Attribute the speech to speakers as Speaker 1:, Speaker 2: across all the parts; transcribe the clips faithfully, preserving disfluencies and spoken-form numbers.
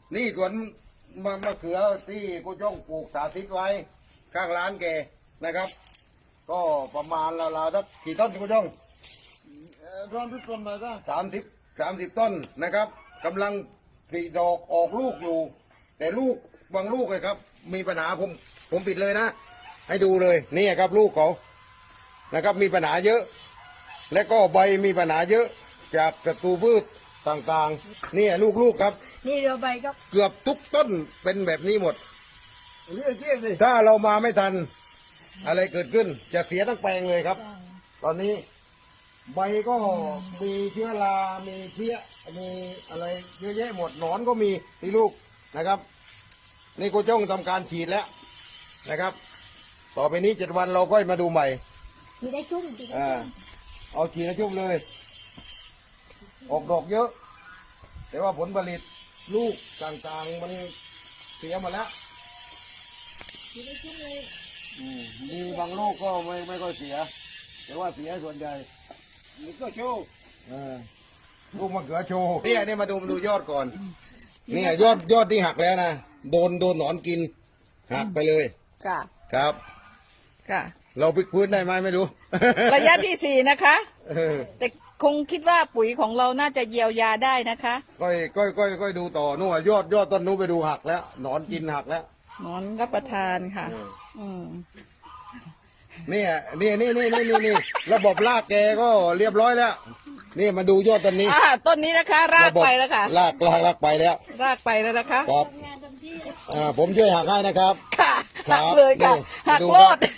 Speaker 1: นี่สวนมะมะเขือที่กูจ้องปลูกสาธิตไว้ข้างร้านแกนะครับ ก็ประมาณราวๆสักกี่ต้นกูจ้อง
Speaker 2: ร้อนทุกคนเลยนะ
Speaker 1: สามสิบสามสิบต้นนะครับกำลังผลิดอกออกลูกอยู่ แต่ลูกบางลูกเลยครับ มีปัญหาผมผมปิดเลยนะ ให้ดูเลยนี่ครับลูกเขานะครับมีปัญหาเยอะ และก็ใบมีปัญหาเยอะจากศัตรูพืชต่างๆนี่ลูกๆครับ
Speaker 3: นี่เรือใบก็
Speaker 1: เกือบทุกต้นเป็นแบบนี้หมด
Speaker 2: เรียกเรียกสิ
Speaker 1: ถ้าเรามาไม่ทันอะไรเกิดขึ้น จะเสียทั้งแปลงเลยครับ ตอนนี้ใบก็มีเชื้อรา มีเพี้ย มีอะไรเยอะแยะหมดหนอนก็มีที่ลูกนะครับ นี่กูจ้องทำการฉีดแล้วนะครับ ต่อไปนี้เจ็ดวันเราก็มาดูใหม่
Speaker 3: ฉีดได้ชุ่มฉีดได้
Speaker 1: อ่า
Speaker 3: ชุ่ม
Speaker 1: เอาฉีดให้ชุ่มเลย ออกดอกเยอะ แต่ว่าผลผลิตลูกต่างๆมันเสียหมดแล้ว
Speaker 3: ฉีดได้ชุ่มเลย
Speaker 1: อืมมีบางลูกก็ไม่ไม่ก็เสีย แต่ว่าเสียส่วนใหญ่
Speaker 2: นี่ก็โชว์
Speaker 1: เออลูกมะเขือโชว์เนี่ยเนี่ยมาดูมาดูยอดก่อนเนี่ยยอดยอดที่หักแล้วนะโดนโดนหนอนกินหักไปเลย
Speaker 4: ค่ะ
Speaker 1: ครับ
Speaker 4: ค่ะ
Speaker 1: เราพลิกพื้นได้ไหมไม่รู้
Speaker 4: ระยะที่สี่นะคะ
Speaker 1: เออ
Speaker 4: แต่คงคิดว่าปุ๋ยของเราน่าจะเยียวยาได้นะคะ
Speaker 1: ก้อยก้อยก้อยก้อยดูต่อนู่นอะยอดยอดต้นนู้นไปดูหักแล้วหนอนกินหักแล้ว
Speaker 4: นอนรับประทานค่ะ
Speaker 1: เออ
Speaker 4: อืม
Speaker 1: เนี่ยนี่นี่นี่นี่นี่นี่ระบบรากแกก็เรียบร้อยแล้ว นี่มาดูยอดต้นนี้
Speaker 4: อ่าต้นนี้นะคะ รากไปแล้วค่ะ
Speaker 1: รากรากรากไปแล้ว
Speaker 4: รากไปแล้วนะคะ
Speaker 1: ครับ
Speaker 3: ทำงานเต็มที่
Speaker 1: อ่าผมช่วยหักให้นะครับ
Speaker 4: ค่ะ
Speaker 1: ครั
Speaker 4: หั
Speaker 1: บ
Speaker 4: กเลยค่ะ
Speaker 1: นี่
Speaker 4: หัก
Speaker 1: ดู
Speaker 4: โล
Speaker 1: ครับ
Speaker 4: ด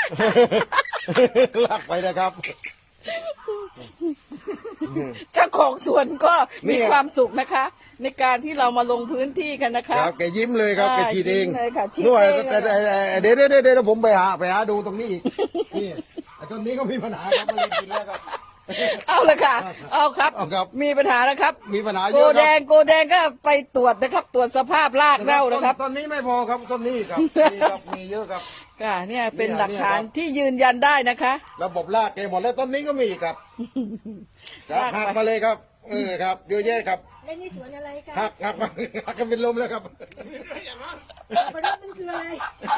Speaker 1: ลากไปนะครับ
Speaker 4: เจ้าของสวนก็
Speaker 1: เนี่
Speaker 4: มี
Speaker 1: ย
Speaker 4: ความสุขนะคะ ในการที่เรามาลงพื้นที่กันนะ
Speaker 1: ค
Speaker 4: คะ
Speaker 1: รับแกยิ้มเลยครับ
Speaker 4: อ่า
Speaker 1: แกฉีดเอง
Speaker 4: ยิ้มเลยค่ะฉีด
Speaker 1: นู่น
Speaker 4: เอง
Speaker 1: แต่แต่แต่แต่เดี๋ยวเดี๋ยวเดี๋ยวเดี๋ยวผมไปหาไปหาดูตรงนี้อีกนี่ไอ้ต้นนี้ก็มีปัญหาครับมันเลยกินแล้วครับ
Speaker 4: เอาเลยค่ะ เอาครับ
Speaker 1: เอาครับ
Speaker 4: มีปัญหานะครับ
Speaker 1: มีปัญหาเย
Speaker 4: โก
Speaker 1: อะค
Speaker 4: แด
Speaker 1: รับ
Speaker 4: งโกแดงก็ไปตรวจนะครับ ตรวจสภาพรากเน่านะครับ
Speaker 1: ต้นนี้ไม่พอครับต้นนี้ครับมีครับมีเยอะครับ
Speaker 4: ค่ะเนี่ยเป็น
Speaker 1: เนี่ย
Speaker 4: หลักฐาน
Speaker 1: เนี่ยครับ
Speaker 4: ที่ยืนยันได้นะคะ
Speaker 1: ระบบรากแกหมดแล้วต้นนี้ก็มีอีกครับครับ
Speaker 4: รากไป
Speaker 1: หักมาเลยครับเออครับเยอะแยะครับ
Speaker 3: แล้วนี่สวนอะไรกัน
Speaker 1: หักหักมาหักกันเป็นลมแล้วครับ
Speaker 3: ประเด็นมันคืออะไร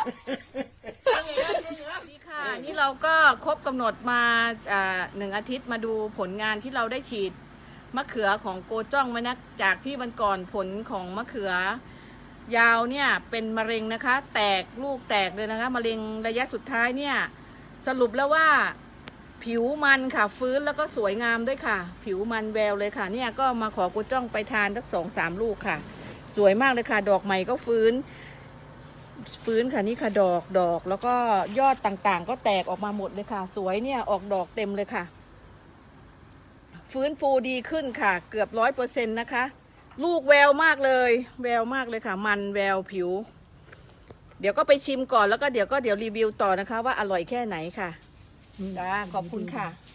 Speaker 4: นี่ค่ะนี่เราก็ครบกำหนดมาอ่าหนึ่งอาทิตย์มาดูผลงานที่เราได้ฉีดมะเขือของโกจ้องไว้นะจากที่วันก่อนผลของมะเขือยาวเนี่ยเป็นมะเร็งนะคะ แตกลูกแตกเลยนะคะมะเร็งระยะสุดท้ายเนี่ยสรุปแล้วว่าผิวมันค่ะฟื้นแล้วก็สวยงามด้วยค่ะ ผิวมันแววเลยค่ะเนี่ยก็มาขอโกจ้องไปทานสักสองสามลูกค่ะ สวยมากเลยค่ะ ดอกใหม่ก็ฟื้น ฟื้นค่ะนี่ค่ะดอกดอกแล้วก็ยอดต่างๆ ก็แตกออกมาหมดเลยค่ะ สวยเนี่ยออกดอกเต็มเลยค่ะ ฟื้นฟูดีขึ้นค่ะ เกือบร้อยเปอร์เซ็นต์นะคะ ลูกแววมากเลย แววมากเลยค่ะ มันแววผิว เดี๋ยวก็ไปชิมก่อนแล้วก็เดี๋ยวก็เดี๋ยวรีวิวต่อนะคะ ว่าอร่อยแค่ไหนค่ะจ้าขอบคุณค่ะ